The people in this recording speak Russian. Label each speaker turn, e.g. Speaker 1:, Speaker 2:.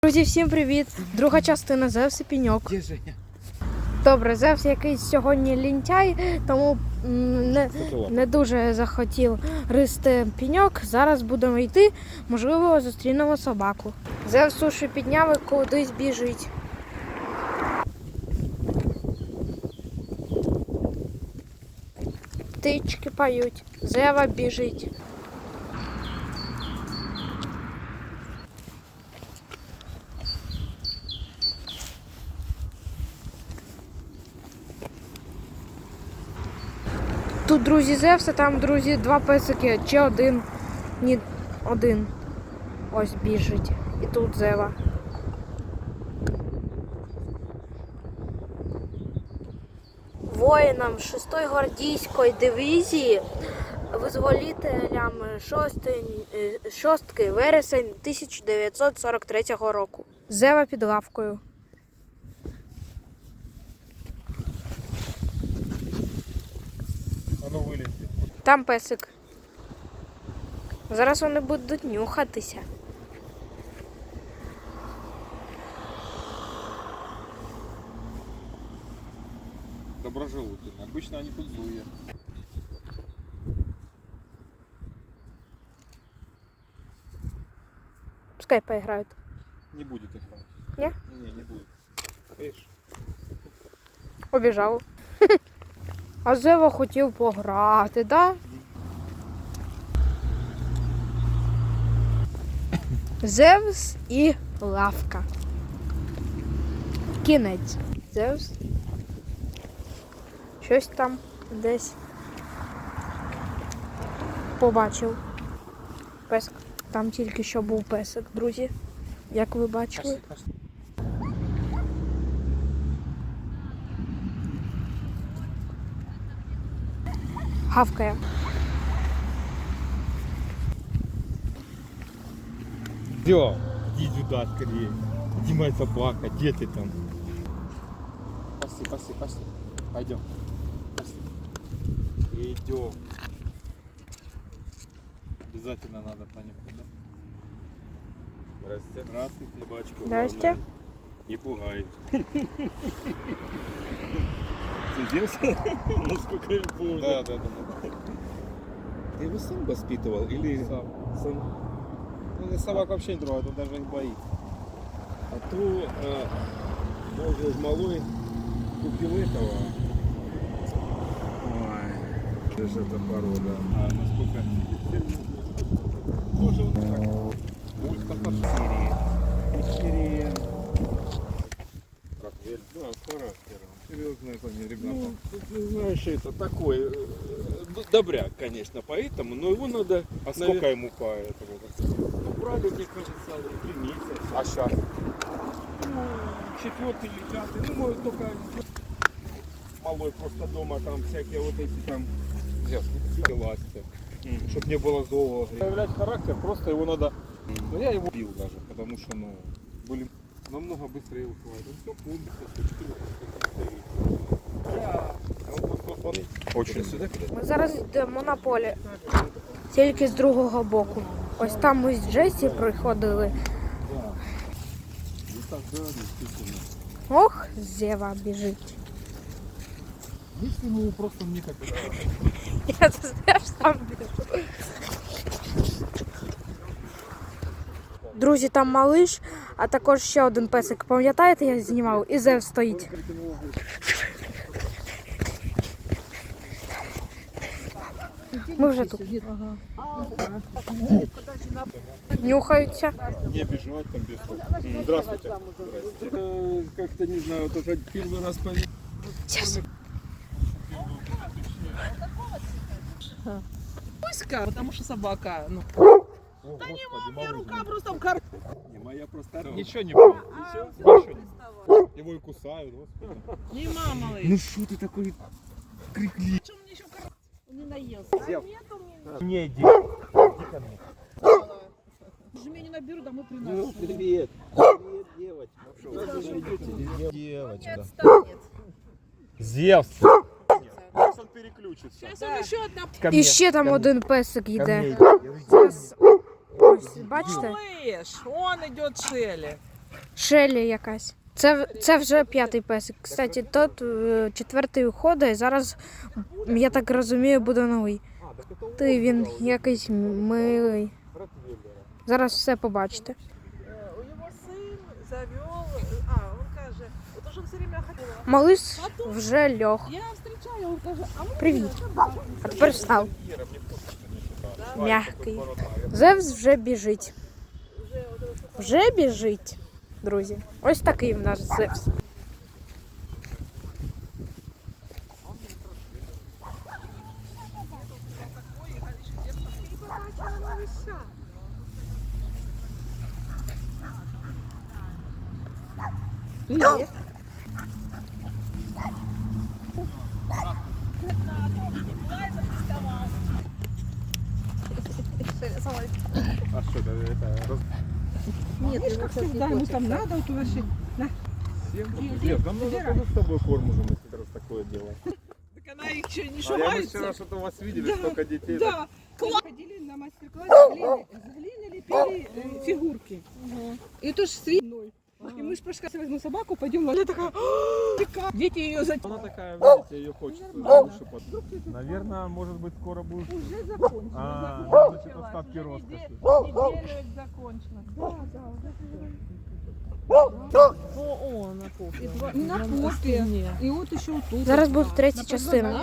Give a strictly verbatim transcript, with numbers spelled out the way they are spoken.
Speaker 1: Друзі, всім привіт! Друга частина Зевс і пеньок.
Speaker 2: Де Женя?
Speaker 1: Добре, Зевс якийсь сьогодні лінтяй, тому не, не дуже захотів гризти пеньок. Зараз будемо йти, можливо, зустрінемо собаку. Зевс суші підняв і кудись біжить. Птички поють, Зева біжить. Тут друзі Зевса, там, друзі, два песики, чи один, ні, один. Ось біжить. І тут Зева. Воїнам шостої гвардійської дивізії, визволителям шостки, вересень тисяча дев'ятсот сорок третього року. Зева під лавкою. Там песик. Зараз вони будуть нюхатися.
Speaker 2: Доброжелательно. Обычно они тут злые.
Speaker 1: Пускай поиграют.
Speaker 2: Не будет играть.
Speaker 1: Не?
Speaker 2: Не, не будет. Видишь?
Speaker 1: Побіжав. А Зева хотів пограти, да? Зевс і лавка. Кінець. Зевс. Щось там десь побачив. Песик. Там тільки що був песик, друзі. Як ви бачили. Гавкає.
Speaker 3: Все, иди сюда скорее. Иди, моя собака, где ты там?
Speaker 2: Пошли, пошли, пошли. Пойдем. Пошли. Идем. Обязательно надо понюхать, да?
Speaker 3: Здравствуйте. Здравствуйте, собачку.
Speaker 1: Здрасте.
Speaker 3: Не пугай.
Speaker 2: Сидишь?
Speaker 3: Насколько я помню.
Speaker 2: Да, да, да.
Speaker 3: Ты его сам воспитывал или
Speaker 2: Сам.
Speaker 3: сам?
Speaker 2: Ну, собак вообще не трогает, он даже их боится.
Speaker 3: А то э, может малой купил этого. Ой, это же эта порода.
Speaker 2: А насколько? Тоже он так. Ультра
Speaker 3: Серия. Как верь? Да, с характером.
Speaker 2: серьезные они, ребята.
Speaker 3: Ну, ты знаешь, это такой э, д- добряк, конечно, поэтому, но его надо.
Speaker 2: А
Speaker 3: навер-
Speaker 2: сколько ему по этому?
Speaker 3: Ну, брали, мне кажется, три месяца.
Speaker 2: А сейчас?
Speaker 3: Ну, четвертый или пятый, ну, может, только малой просто дома там всякие вот эти там
Speaker 2: Эластик. Чтобы не было злого. Проявлять характер, просто его надо... Ну, я его бил даже, потому что, ну, были намного быстрее уходят. Он все помнит. Очень.
Speaker 1: Ми зараз йдемо на поле. Тільки з другого боку. Ось там ми з Джесі приходили. Ох, Зева біжить.
Speaker 2: Если ну просто мне как
Speaker 1: Я теж там біжу. Друзі, там малиш, а також ще один песик. Пам'ятаєте, я знімав? І Зев стоїть. Ми вже тут. Нюхаються.
Speaker 2: не бежать там без того. Здравствуйте.
Speaker 3: Э, как-то не знаю, вот уже первый раз поверил.
Speaker 1: Сейчас.
Speaker 4: Пуська, потому что собака. Ну.
Speaker 2: Да
Speaker 4: не мама, рука просто в кар...
Speaker 3: Не, моя просто...
Speaker 2: Ничего не будет. Ничего, ничего не. Его и кусают. Господи.
Speaker 4: Не мама, малыш.
Speaker 3: Ну что ты такой крикливый?
Speaker 4: Что мне еще кар... не наелся? А нет у меня.
Speaker 3: Не, иди. Иди ко мне.
Speaker 4: Жми не наберу, домой
Speaker 3: Ну,
Speaker 4: приношу.
Speaker 3: привет. Привет, девочка.
Speaker 4: Не
Speaker 3: Девочка.
Speaker 4: отстанет.
Speaker 3: Зевс.
Speaker 2: Сейчас он переключится.
Speaker 4: Сейчас он еще одна...
Speaker 1: І ще там один песик йде.
Speaker 3: Ко мне.
Speaker 1: Зараз. Ось, бачите?
Speaker 4: Малыш, он идет Шелли.
Speaker 1: Шелі якась. Це, це вже п'ятий песик. Кстати, тот е, четвертий уходить, і зараз, я так розумію, буде новий.
Speaker 2: А, так это
Speaker 1: Ти він якийсь милий.
Speaker 2: Ротвейлера.
Speaker 1: Зараз все побачите.
Speaker 4: Э, У него сын завел, а, он каже, вот уже все время ходила.
Speaker 1: Малиш вже льох.
Speaker 4: Я встречаю, он каже, а мы
Speaker 1: Привіт. А тепер встав.
Speaker 2: Ера, мне просто не сюда.
Speaker 1: Мягкий.
Speaker 2: Поворотная.
Speaker 1: Зевс вже біжить. Вже біжить, друзі. Ось такий в нас Зевс.
Speaker 2: А что это? это раз...
Speaker 4: Нет, видишь, как всегда, ему там надо, вот вообще.
Speaker 2: Нет, нам нужно тоже с тобой корм уже, если раз такое дело.
Speaker 4: Так она их еще не
Speaker 2: А я мы
Speaker 4: шугается.
Speaker 2: вчера что-то у вас видели,
Speaker 4: Да,
Speaker 2: столько детей.
Speaker 4: Да, класс. Ходили на мастер-класс, глины, с глины лепили э, фигурки. И тоже с свиной. И мы ж пошли, возьму собаку, пойдем, она такая, «А, дети ее за...
Speaker 2: Она такая, видите, ее хочется лучше под... Наверное, может быть, скоро будет...
Speaker 4: Уже закончила.
Speaker 2: А,
Speaker 4: закончила.
Speaker 2: значит, остатки
Speaker 4: Уже
Speaker 2: роскоши.
Speaker 4: неде- Неделю закончила. Да, да, уже. О, о, на кофе. И два- на кофе. И вот еще тут.
Speaker 1: Зараз буде третя частина.